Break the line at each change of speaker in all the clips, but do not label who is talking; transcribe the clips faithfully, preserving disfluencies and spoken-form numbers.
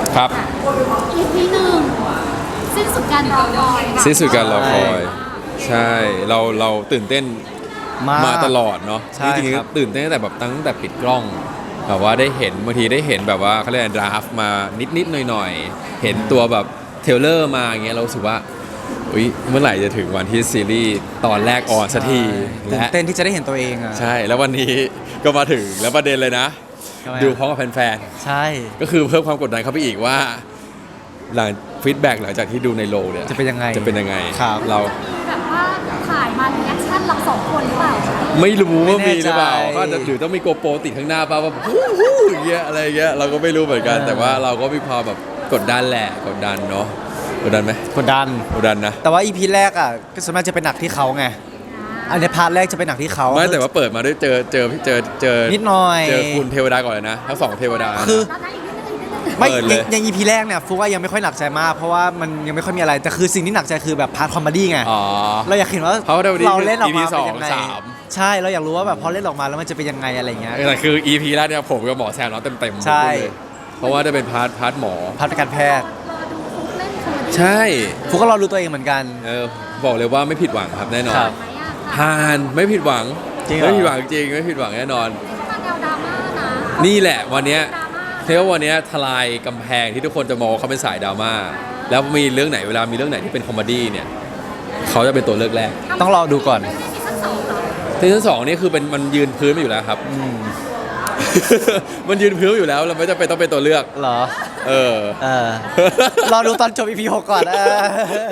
ครับ
อีพีหนึ่งสิ้นสุดการรอคอยค่ะ
สิ้นสุดการรอคอยใช่เราเราตื่นเต้น
มาก
มาตลอดเนาะ
ใช่
จริง
ครับ
ๆตื่นเต้นตั้งแต่แบบตั้งแต่ปิดกล้องแบบว่าได้เห็นบางทีได้เห็นแบบว่าเขาเรียกดราฟมานิดๆหน่อยๆเห็นตัวแบบเทรลเลอร์มาอย่างเงี้ยเรารู้สึกว่าอุ๊ยเมื่อไหร่จะถึงวันที่ซีรีส์ตอนแรกออนสักที
ตื่น
และ
เต้นที่จะได้เห็นตัวเองอ่ะ
ใช่แล้ววันนี้ก็มาถึงแล้วประเด็นเลยนะ
ทำไมอะ
ดูพร้อมกับแฟน
ใช่
ๆก็คือเพิ่มความกดดันเข้าไปอีกว่าหลังฟีดแบ็กหลังจากที่ดูในโรงเนี่ย
จะเป็นยังไง
จะเป็นยังไง
ครับ
เรา
มีแบบว่าถ่ายมารีแอคชั่นเราสองคนหรือเปล่า
ไม่รู้ว่า
ไม่แน่
มีหรือเปล่า
ใจ
ก็อาจจะหรือต้องมีโกโปรติดข้างหน้าป่าวว่าฮู้ฮู้อย่างเงี้ยอะไรอย่างเงี้ยเราก็ไม่รู้เหมือนกัน
เออ
แต่ว่าเราก็มีความแบบกดดันแหละกดดันเนาะกดดันไหม
กดดัน
กดดันนะ
แต่ว่าอีพีแรกอ่ะก็ส่วนมากจะเป็นหนักที่เขาไงอันนี้พาร์ทแรกจะเป็นหนักที่เขา
ไม่แต่ว่าเปิดมาด้วยเจอเจอเจอเจอ
นิดหน่อย
เจอคุณเทวดาก่อนเลยนะทั้งสองเทวดา
คือ
แล้วนะอีกนิดนึงอีกนิดนึง
ไม่
เปิดเลย
ยังอีพีแรกเนี่ยฟูว่ายังไม่ค่อยหนักใจมากเพราะว่ามันยังไม่ค่อยมีอะไรแต่คือสิ่งที่หนักใจคือแบบพาร์ทคอมเมดี้ไง
อ๋อ
เราอยากเห็นว่า
เพราะว่าเดี๋ยวนี้
เราเล่นออกมา
อี พี
เป็นยังไง
สองสาม
ใช่เราอยากรู้ว่าแบบพอเล่นออกมาแล้วมันจะเป็นยังไงอะไรเงี้ย
แต่คือ อี พี แรกเนี่ยผมกับหมอแซมเนาะเต็มเต็มๆ
ใช่
เลยเพราะว่าจะเป็นพาร์ทพาร์ทหมอ
พาร์ทการแพทย์
รอดูฟุกเล่นคอมเมดี้
ใช่
ฟูก็รอรู้ตัวเองเหมือนกัน
เออบอกเลยว่าไม่ผิดหวังครับแน่นอน
ครับ
ไหมอ่ะ
ผ่านไม่ผิดหวัง
จริงเหรอ
ไม่ผิดหวังจริงไม่ผิดหวังแน่นอน
มาแนวดราม่านะ
นี่แหละวันเนี้ย
ดราม่า
เทว่าวันเนี้ยทลายกำแพงที่ทุกคนจะมองว่าเขาเป็นสายดราม่าแล้วมีเรื่องไหนเวลามีเรื่องไหนที่เป็นคอมเมดี้เนี่ยเขาจะเป็นตัวเลือกแรก
ต้องรอดูก่อน
ไม่ได้ซีซั่นสองเหรอ
ซีซั่นสองนี่คือเป็นมันยืนพื้นมาอยู่แล้วครับ
อืม
มันยืนพื้นอยู่แล้วเราไม่จำเป็นต้องเป็นตัวเลือก
เหรอ
เออ
เออ รอดูตอนจบ อี พี หกก่อนเออ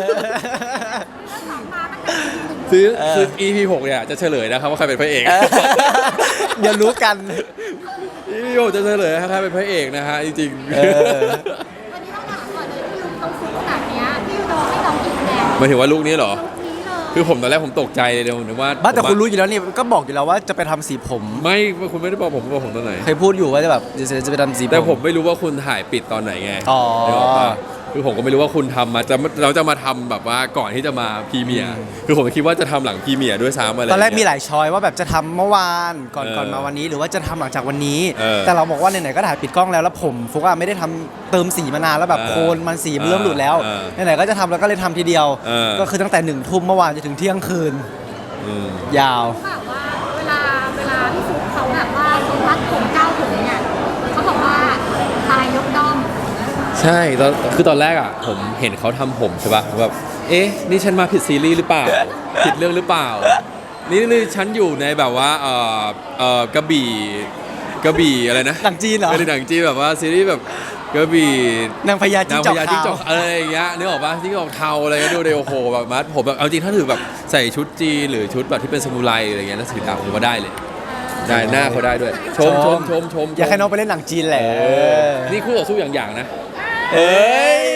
คือ
เออ
คือ อี พี หกเนี่ยจะเฉลยนะครับว่าใครเป็นพระเอก
เออเดี๋ยวรู้กัน
อี พี หกจะเฉลยนะครับใครเป็นพระเอกนะฮะจริงๆ
เออ
วันนี้ต้องถามก่อนเลยที่ลุงต้องฟุกขนาดเนี้ยที่โดนให้น้องกี่คะแนน
หมายถึงว่าลูกนี้เหรอ
ลูกนี้เลย
คือผมตอนแรกผมตกใจเลยเดี๋ยวผมนึกว่า
บ้าแต่
ผม
คุณรู้อยู่แล้วนี่ก็บอกอยู่แล้วว่าจะไปทำสีผม
ไม่คุณไม่ได้บอกผมว่าผมตอนไหน
เคยพูดอยู่ว่าจะแบบเดี๋ยวจะไปทำสีผม
แต่ผมไม่รู้ว่าคุณถ่ายปิดตอนไหนไง
อ๋อ
นึกออกปะคือผมก็ไม่รู้ว่าคุณทำมาจะเราจะมาทำแบบว่าก่อนที่จะมาพรีเมียร์คือผมคิดว่าจะทำหลังพรีเมียร์ด้วยซ้ำอะไร
ตอนแรกมีห
เงี้ย
ลายช้อยว่าแบบจะทำเมื่อวานก่อน
เออ
ก่อนมาวันนี้ หรือว่าจะทำหลังจากวันนี้
เออ
แต่เราบอกว่าไหนๆก็ถ่ายปิดกล้องแล้วแล้วผมฟุกอะไม่ได้ทำเติมสีมานานแล้วแบบ
เออ
โคนมันสีมันเริ่มหลุดแล้ว
เออ
ไหนๆก็จะทำแล้วก็เลยทำทีเดียว
เออ
ก็คือตั้งแต่หนึ่งทุ่มเมื่อวานจนถึงเที่ยงคืน
อืม
ยาว
แบบว่าเวลาเวลาพี่ฟุกเขาแบบว่าเขาพัดผมก้าวผมเนี่ยเขาบอกว่าทายยกด้อม
ใช่ตอนคือตอนแรกอ่ะผมเห็นเขาทำผมใช่ป่ะผมแบบเอ๊ะนี่ฉันมาผิดซีรีส์หรือเปล่า ผิดเรื่องหรือเปล่า นี่นี่ฉันอยู่ในแบบว่าเออเออกระบี่กระบี่อะไรนะ
หนังจีนเหรอ
เป็นหนังจีนแบบว่าซีรีส์แบบกระบี่
นางพญาจิ้
นาง ง
จ
พ
อก
ญาจิ้งจอก
ขาว
อะไรอย่างเงี้ยนึกออกปะจิ้งจอกเทาอะไรเงี้ยดูเดโอโหแบบมัดผมแบบเอาจริงถ้าถือแบบใส่ชุดจีนหรือชุดแบบที่เป็นซามูไรอะไรเงี้ยแล้วสีดำผมก็ได้เลยได้หน้าเขาได้ด้วย ชมชมชมชม
อยากให้น้องไปเล่นหนังจีนแหละ
เออนี่คู่ต่อสู้อย่างๆนะเอ้ย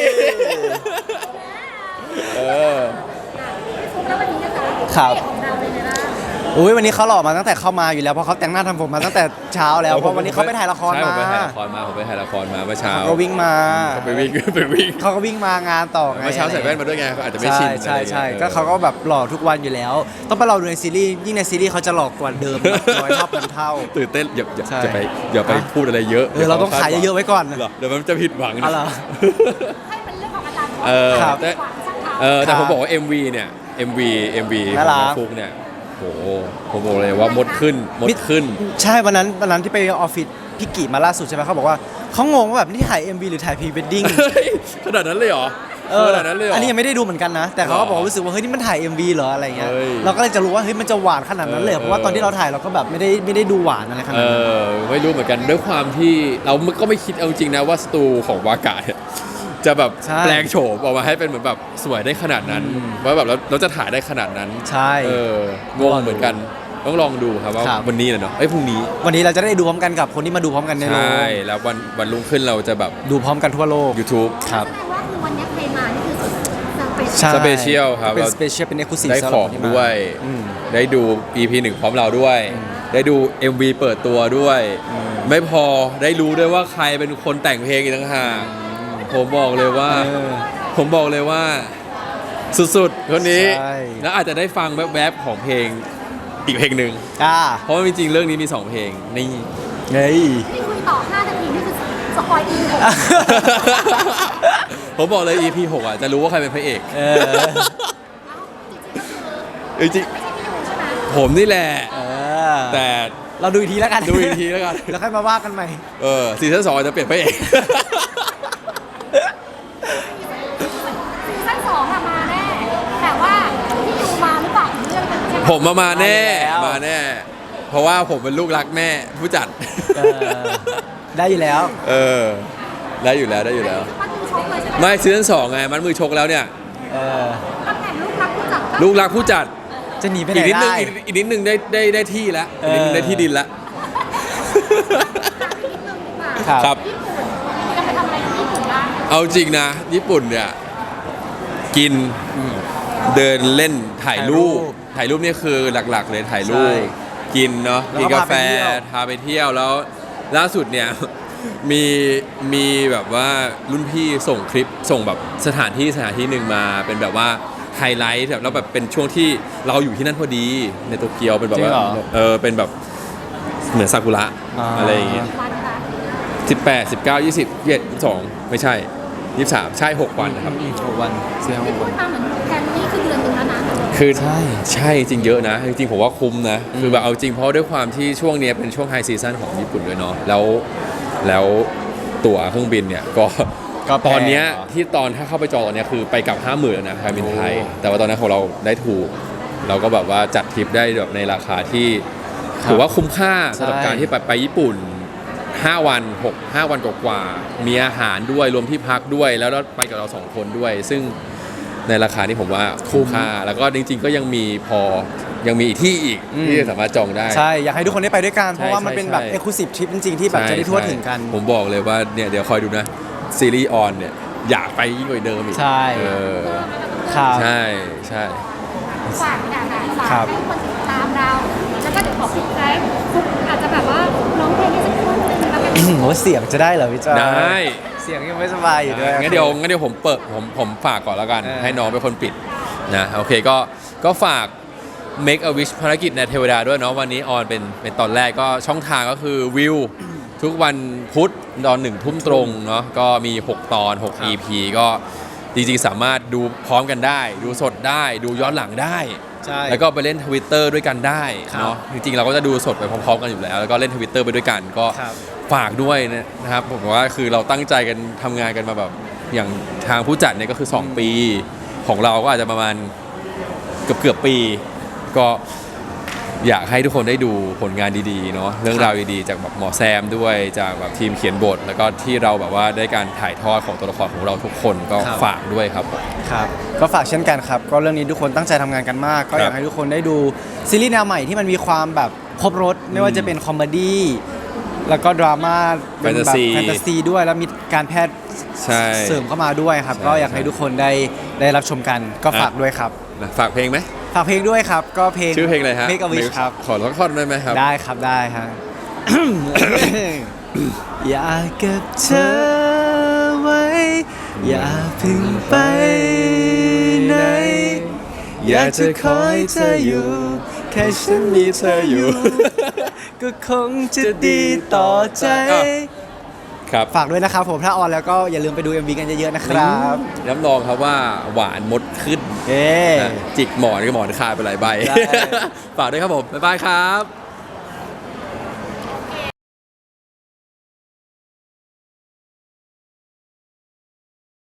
เออ
พี่ฟุกแล้ววันนี้นะคะ
ครับ
พะเอกของเราเลยนะ
อุ้ยวันนี้เขาหล่อมาตั้งแต่เข้ามาอยู่แล้วเพราะเขาแต่งหน้าทำผมมาตั้งแต่เช้าแล้วเพราะวันนี้เขาไปถ่ายละคร
ใช่
มา
ผมไปถ่ายละครมาผมไปถ่ายละครมาเมื่อเช้า
เขาก็วิ่งมา
เขาไปวิ่ง ไปวิ่ง
เขาก็วิ่งมางานต่อไง
เมื่อเช้าใส่แว่นมาด้วยไงเขาอาจจะไม่ชิน
ใช่ใช่
อะไร
ก็
งี้ย
เขาก็แบบหล่อทุกวันอยู่แล้ว ต้องไปรอดูในซีรีส์ยิ่งในซีรีส์เขาจะหล่อกว่าเดิมแบบร้อยเท่าพันเท่า
ตื่นเต้นอย่าอย่า
ใช่
อย่าไปอย่าไป
ฮะ
พูดอะไรเยอะ
เออเราต้องขายเยอะๆไว้ก่อน
เหรอเดี๋ยวมันจะผิดหวัง
อ๋อ
นะ
เหรอ
ให้เป็นเรื่องของอาจารย์
เออ
ครับ
แต่
หวังสักครั้ง
เออแต่
ค
ผ
รับ
มบอกว่า เอ็ม วี เนี่ย เอ็ม วี เอ็ม วี
น่ารัก
ของฟุกเนี่ยโหผมบอกเลยว่ามดขึ้นมดขึ้น
ใช่วันนั้นวันนั้นที่ไปออฟฟิศพี่กิมาล่าสุดใช่ไหมเขาบอกว่าเขางงว่าแบบนี่ถ่าย เอ็ม วี หรือถ่ายพรีเวดดิ้ง
เฮ้ยขนาดนั้นเลยเหรอ
เออ
ขนาดนั้นเลยเหรอ
อั
อั
นนี้ยังไม่ได้ดูเหมือนกันนะ แต่เขาก็บอกว่ารู้สึกว่าเฮ้ยนี่มันถ่าย เอ็ม วี เหรออะไรเงี้ย
เฮ้ย
เราก็เลยจะรู้ว่าเฮ้ยมันจะหวานขนาดนั้นเลยเหรอเพราะว่าตอนที่เราถ่ายเราก็แบบไม่ได้ไม่ได้ดูหวานอะไรข
เอ
นาดนั้น
อไม่รู้เหมือนกันด้วยความที่เราก็ไม่คิดเอาจริงนะว่าสตูของวากาเนี่ยจะแบบ
ใช่
แปลงโฉมออกมาให้เป็นเหมือนแบบสวยได้ขนาดนั้น
อืม
ว่าแบบเราเราจะถ่ายได้ขนาดนั้น
ใช่
เอองงเหมือนกันต้องลองดูครับว่า
ครับ
วันนี้นะเนาะไอ้ยพรุ่งนี้
วันนี้เราจะได้ดูพร้อมกันกับคนที่มาดูพร้อมกันในโรง
ใช่แล้ววันวันรุ่งขึ้นเราจะแบบ
ดูพร้อมกันทั่วโลก
YouTube
ครับ
แสดงว่าคือวันนี้เพลงมานี่คือเซอร์เปรส
ใช่
สเปเชียลครับ
เป็น
เรา
สเปเชียลเป็นเอ็กซ์คลูซีฟ
ได้ของด้วย ได้ดู อี พี หนึ่งพร้อมเราด้วย ได้ดู เอ็ม วี เปิดตัวด้วย ไม่พอได้รู้ด้วยว่าใครเป็นคนแต่งเพลงอีกต่างหากผมบอกเลยว่า
เออ
ผมบอกเลยว่าสุดๆคนนี้
ใช่
แล้วอาจจะได้ฟังแวบๆของเพลงอีกเพลงหนึ่ง
อ่า
เพราะว่าจริงๆเรื่องนี้มีสองเพลงนี่
เฮ้ย
ที่คุยต่อห้านาทีนี่คือสปอยดีผม
ผมบอกเลย อี พี หกอ่ะจะรู้ว่าใครเป็นพระเอก
เออ
จริง
ไม่ใช่พี่ยูใช่ไหม
ๆผมนี่แหละ
เออ
แต่
เราดูอีกทีแล้วกัน
ดูอีกทีแล้วกัน
แล้วค่อยมาว่ากันใหม่
เออซีซั่นสองจะเปลี่ยนพระเอก
ซีซั่นสองอะมาแน่ แต่ว่าพี่ยูมาหรือเปล่าอีกเรื่องหนึงใช่ไหม
ผมมามาแน่
มาอยู่แล้ว
มาแน่ เพราะว่าผมเป็นลูกรักแม่ผู้จัด
เออได้อยู่แล้ว
เออ ได้อยู่แล้วได้อยู่แล้ว
มันมือชกเลยใช่ไหม
ไม่ซีซั่นสองไงมันมือชกแล้วเนี่ย
เออ
ตำแหน่งลูกรักผู้จัดก็
ลูกรักผู้จัด
จะหนีไปไห
อี
น
กนิดนึง
ได้
อีกอีกนิดนึงได้ได้ได้ที่แล้วอีกนิดนึงได้ที่ดินแล้ว
ถามอีกนิดนึงดีกว่า
ครับ
ครับ
ญี่ปุ่นจะไปทำอะไรที่ญี่ปุ่นบ้าง
เอาจริงนะ ญี่ปุ่นเนี่ย กินเดินเล่นถ่ายรูป ถ่ายรูปนี่คือหลักๆ เลยถ่ายรูป
ใช่
กินเนาะ
แล้ว
กิน
ก็
กา
พา
แฟ
ไปเที่ยว
พาไปเที่ยวแล้วล่าสุดเนี่ย มีมีแบบว่ารุ่นพี่ส่งคลิปส่งแบบสถานที่สถานที่หนึ่งมาเป็นแบบว่าไฮไลท์แบบแล้วแบบเป็นช่วงที่เราอยู่ที่นั่นพอดีในโตเกียวเป็นแบบ
จริง
ว่า
เหรอ
เออเป็นแบบเหมือนซากุระ
อ่า
อะไรอย่างเงี้ย
วันค่ะ
สิบแปดสิบเก้ายี่สิบยี่สิบสองไม่ใช่ยี่สิบสามใช่หกวันนะครับ
อืมหกวันเสียห
ที่
ก
พู
วั
ด
น
มาเหมือนแพลนนี่คือเดือนหนึงแล้วนะ
คือ
ใช่
ใช่จริงเยอะนะ จริงๆผมว่าคุ้มนะ คือแบบเอาจริงเพราะด้วยความที่ช่วงเนี้ยเป็นช่วงไฮซีซั่นของญี่ปุ่นด้วยเนาะแล้วแล้วตั๋วเครื่องบินเนี่ยก็
ก็แพง
ตอนเนี้ย
เหรอ
ที่ตอนถ้าเข้าไปจองตอนเนี้ยคือไปกลับห้าหมื่นนะการบินไทย
โอ้
แต่ว่าตอนนั้นของเราได้ถูก เราก็แบบว่าจัดทริปได้แบบในราคาที่
ครับ
ถือว่าคุ้มค่าสำหรับ
ใช่
การที่ไปไปญี่ปุ่น ห้า วันหก ห้าวันกว่าๆมีอาหารด้วยรวมที่พักด้วยแล้วก็ไปกับเราสองคนด้วย ซึ่งในราคาที่ผมว่าคุ้มค่า แล้วก็จริงๆก็ยังมีพอยังมีอีกที่อีก
อืม
ที่สามารถจองได้
ใช่ อยากให้ทุกคนได้ไปด้วยกัน เพราะว่ามันเป็นแบบ
ใช่
เอกลูซีฟทริปจริงๆ ที่แบบจะได้ทั่วถึงกัน
ใช่ผมบอกเลยว่าเนี่ยเดี๋ยวคอยดูนะ ซีรีส์ออนเนี่ยอยากไปยิ่งกว่าเดิมอีก
ใช่
เออ
ครับ
ใช่ใช่
ฝากเนี่ยค่ะฝาก
ครับ
ให้คนติดตามเรา แล้วก็เดี๋ยวขอพิดท้ายฟุกอาจจะแบบว่าร้องเพลงให้สักคนหนึงแล้วกัน
อื้อหือว่าเสียงจะได้เหรอพี่จอย
ได้
เสียงยังไม่สบายอยู่ด้วย
งั้นเดี๋ยวงั้นเดี๋ยวผมเปิดผมผมฝากก่อนแล้วกัน
เออ
ให้น้องเป็นคนปิดนะโอเคก็ก็ฝาก Make a Wish ภารกิจในเทวดาด้วยเนาะวันนี้ออนเป็นเป็นตอนแรกก็ช่องทางก็คือวิวทุกวันพุธตอนหนึ่งทุ่มตรงเนาะก็มี หก ตอน หก อี พี ก็จริงๆสามารถดูพร้อมกันได้ ดูสดได้ดูย้อนหลังได้
ใช่
แล้วก็ไปเล่น Twitter ด้วยกันได้
ครับ
เนาะจริงๆเราก็จะดูสดไปพร้อมๆกันอยู่แล้ว แล้วก็เล่น Twitter ไปด้วยกันก็
ครับ
ฝากด้วยนะครับผมว่าคือเราตั้งใจกันทำงานกันมาแบบอย่างทางผู้จัดเนี่ยก็คือ สอง ปีของเราก็อาจจะประมาณเกือบเกือบๆปี ก็อยากให้ทุกคนได้ดูผลงานดีๆเนาะเรื่องราวดีๆจากแบบหมอแซมด้วยจากแบบทีมเขียนบท แล้วก็ที่เราแบบว่าได้การถ่ายทอดของตัวละครของเราทุกคนก็
ครับ
ฝากด้วยครับ
ครับ ก็ฝากเช่นกันครับ ก็เรื่องนี้ทุกคนตั้งใจทำงานกันมาก ก็อยากให้ทุกคนได้ดูซีรีส์แนวใหม่ที่มันมีความแบบครบรถ ไม่ว่าจะเป็นคอมเมดี้แล้วก็ดราม่าเป็นแบบ
Fantasy
แฟนตาซีด้วยแล้วมีการแพทย์
ใช่
เสริมเข้ามาด้วยครับ
ใช่
ก็อยากให้ทุกคนได้ได้รับชมกันก็ฝากด้วยครับ
นะฝากเพลงไหม
ฝากเพลงด้วยครับ ก็เพลง
ชื่อเพลงอะไรฮะ
Make a Wish ครับ
ขอสักท่อนได้ไหมครับ
ได้ครับได้ฮะ อยากเก็บเธอไว้ อย่าเพึ่งไปไหน อยากจะคอยเธออยู่ แค่ฉันมีเธออยู่ ก็คงจะดีต่อใจ
อ่ะ ครับ
ฝากด้วยนะครับผมถ้าออนแล้วก็อย่าลืมไปดู เอ็ม วี กันเยอะๆนะครับ
น้ำรองครับว่าหวานมดขึ้น
เย้
นะจิกหมอนก็หมอนคายไปหลายใบ
ได้
ฝากด้วยครับผม บ๊ายบายครับ